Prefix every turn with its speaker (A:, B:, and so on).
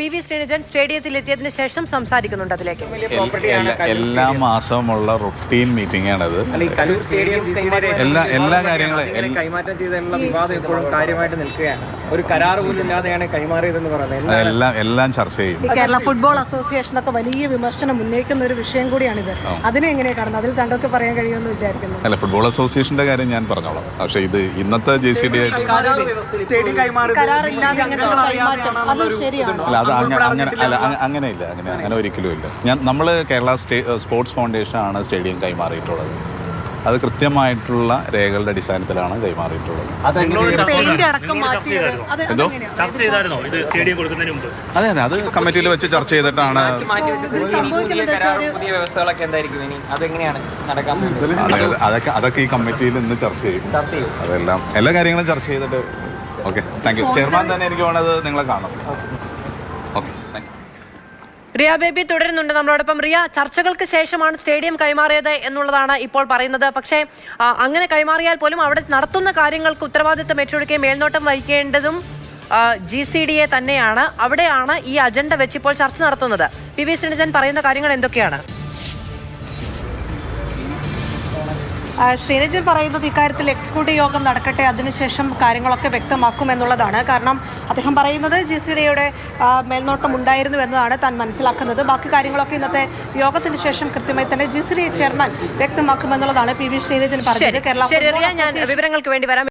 A: PV. Sreenijan സ്റ്റേഡിയത്തിൽ എത്തിയതിനു ശേഷം സംസാരിക്കുന്നുണ്ട്. അതിലേക്ക്
B: എല്ലാ മാസവുമുള്ള റൊട്ടീൻ മീറ്റിംഗ് ആണത്. എല്ലാ കാര്യങ്ങളും
C: കൈമാറ്റം ചെയ്തതിനുള്ള വിവാദം ഇപ്പോഴും കാര്യമായിട്ട് നിൽക്കുകയാണ്. ഒരു കരാർ പോലും ഇല്ലാതെയാണ് കൈമാറിയതെന്ന് പറയുന്നത്.
B: എല്ലാം ചർച്ച ചെയ്യും.
D: കേരള ഫുട്ബോൾ അസോസിയേഷനൊക്കെ വലിയ വിമർശനം ഉന്നയിക്കുന്ന ഒരു വിഷയം കൂടിയാണിത്. അതിനെ എങ്ങനെയാണ് കാണുന്നത്? അതിൽ താങ്കൾക്ക് പറയാൻ കഴിയുമെന്ന് വിചാരിക്കുന്നു.
B: അല്ല, ഫുട്ബോൾ അസോസിയേഷന്റെ കാര്യം ഞാൻ പറഞ്ഞോളാം. പക്ഷേ ഇത് ഇന്നത്തെ JCD
D: അല്ല, അത്
B: അങ്ങനെയില്ല, അങ്ങനെ ഒരിക്കലും ഇല്ല. നമ്മൾ കേരള സ്പോർട്സ് ഫൗണ്ടേഷൻ ആണ് സ്റ്റേഡിയം കൈമാറിയിട്ടുള്ളത്. അത് കൃത്യമായിട്ടുള്ള രേഖകളുടെ അടിസ്ഥാനത്തിലാണ് കൈമാറിയിട്ടുള്ളത്. അതെ, അത് കമ്മിറ്റിയിൽ വെച്ച് ചർച്ച ചെയ്തിട്ടാണ്. അതൊക്കെ ഈ കമ്മിറ്റിയിൽ ഇന്ന് ചർച്ച ചെയ്യും. അതെല്ലാം എല്ലാ കാര്യങ്ങളും ചർച്ച ചെയ്തിട്ട്. Okay, thank U. ചെയർമാൻ തന്നെ എനിക്ക് വേണത് നിങ്ങളെ കാണാം. Okay, thank you.
A: Riya Baby തുടരുന്നുണ്ട് നമ്മളോടൊപ്പം. റിയ, ചർച്ചകൾക്ക് ശേഷമാണ് സ്റ്റേഡിയം കൈമാറിയത് എന്നുള്ളതാണ് ഇപ്പോൾ പറയുന്നത്. പക്ഷേ അങ്ങനെ കൈമാറിയാൽ പോലും അവിടെ നടത്തുന്ന കാര്യങ്ങൾക്ക് ഉത്തരവാദിത്തം ഏറ്റെടുക്കുകയും മേൽനോട്ടം വഹിക്കേണ്ടതും GCDA തന്നെയാണ്. അവിടെയാണ് ഈ അജണ്ട വെച്ച് ഇപ്പോൾ ചർച്ച നടത്തുന്നത്. പി.വി. ശ്രീനിജൻ പറയുന്ന കാര്യങ്ങൾ എന്തൊക്കെയാണ്?
D: ശ്രീനിജൻ പറയുന്നത് ഇക്കാര്യത്തിൽ എക്സിക്യൂട്ടീവ് യോഗം നടക്കട്ടെ, അതിനുശേഷം കാര്യങ്ങളൊക്കെ വ്യക്തമാക്കുമെന്നുള്ളതാണ്. കാരണം അദ്ദേഹം പറയുന്നത് GCDAയുടെ മേൽനോട്ടം ഉണ്ടായിരുന്നു എന്നതാണ് താൻ മനസ്സിലാക്കുന്നത്. ബാക്കി കാര്യങ്ങളൊക്കെ ഇന്നത്തെ യോഗത്തിന് ശേഷം കൃത്യമായി തന്നെ GCDA ചെയർമാൻ വ്യക്തമാക്കുമെന്നുള്ളതാണ് പി.വി. ശ്രീനിജൻ പറഞ്ഞത്. കേരള
A: വിവരങ്ങൾക്ക് വേണ്ടി വരാം.